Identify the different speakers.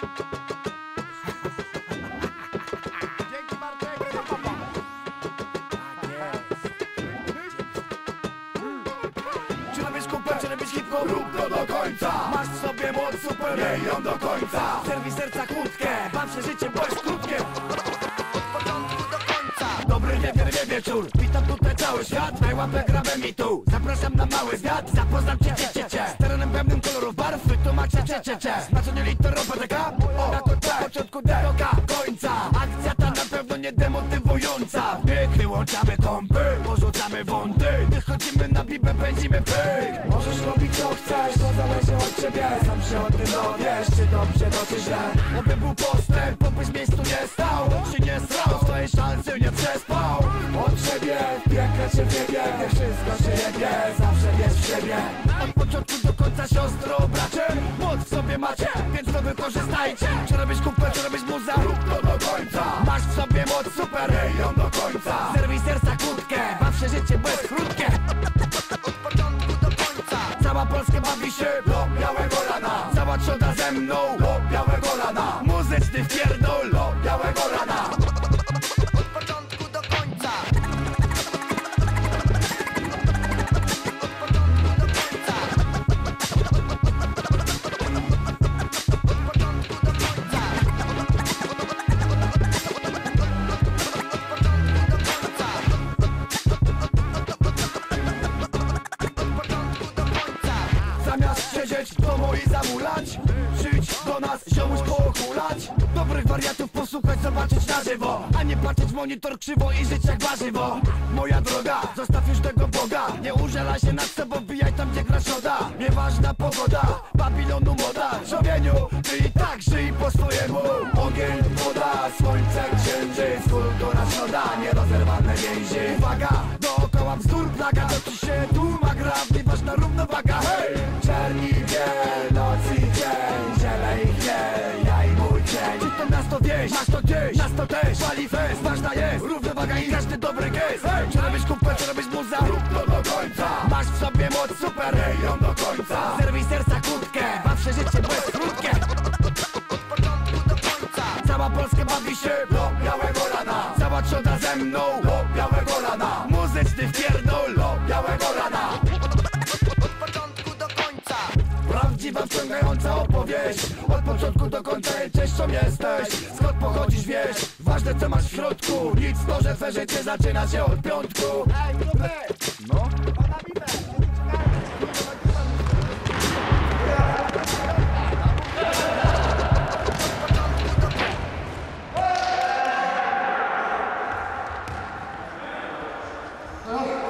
Speaker 1: Dzięki Bartek.
Speaker 2: Czy robisz kupę, czy robisz hip-hop? Rób to do końca. Masz w sobie moc super, miej ją do końca. Zerwij serca kłódkę, baw się życiem, bo jest krótkie. Od początku do końca. Dobry wieczór, witam tutaj cały świat. Daj łapę, grabę mi tu, zapraszam na mały zwiat. Zapoznam cię. Z terenem pełnym kolorów barw, wytłumaczę cie. Znaczenie literowa taka, od początku do końca. Akcja ta na pewno nie demotywująca. Wyłączamy kompy, porzucamy wąty. Wychodzimy na bibę, pędzimy pyk. Możesz robić co chcesz, to zależy od ciebie. Sam się o tym dowiesz, czy dobrze, czy źle. Oby był postęp, obyś w miejscu nie stał. Czy nie srał, swojej szansy nie przespał. Od siebie, piekle cię wiebie. Gdy wszystko się jebie, zawsze wiesz w siebie. Od początku do końca siostro, bracie. Moc w sobie macie, więc to wykorzystajcie. Czy robisz kupę, czy robisz muza? Rób to do końca. Masz w sobie moc super, miej ją do końca. Zerwij serca kłódkę, baw się życie bez krótkie. Od początku do końca. Cała Polska bawi się do białego rana. Cała trzoda ze mną do białego rana. Muzyczny wpierdol do białego rana. Od początku do końca. Od początku do końca. Od początku do końca. Zamiast siedzieć w domu i zamulać, przyjdź do nas, ziomuś poochulać. Dobrych wariatów posłuchać, zobaczyć na żywo, a nie patrzeć w monitor krzywo i żyć jak warzywo. Moja droga, zostaw już tego Boga. Nie użalaj się nad sobą, wbijaj tam gdzie gra szoda. Nieważna pogoda, Babilonu moda. Człowieniu, ty i tak żyj po swojemu. Ogień, woda, słońce, księżyc, kultura środa, nierozerwalne więzi. Uwaga, dookoła bzdur, plaga, to ci się tłuma gra, ważna równowaga, hej! Czerni biel, noc i dzień, ziele i chmiel, ja i mój cień. Czy to nas to wieś, masz to gdzieś, nas to też, pali fest, ważna jest równowaga i każdy dobry gest. Hej! Czy robisz kupę, czy robisz muza? Rób to do końca. Masz w sobie moc super, miej ją do końca. Zerwij serca kłódkę, baw się życie, bo jest krótkie. Od początku do końca. Cała Polska bawi się do białego rana. Cała trzoda ze mną do białego rana. Muzyczny wpierdol do białego rana. Od początku do końca. Prawdziwa, wciągająca opowieść. Od początku do końca częścią jesteś. Skąd pochodzisz, wiesz? Ważne co masz w środku. Nic to, że twoje życie zaczyna się od piątku.
Speaker 1: Ej, grupy!
Speaker 2: No?
Speaker 1: Pana bibę!
Speaker 2: No.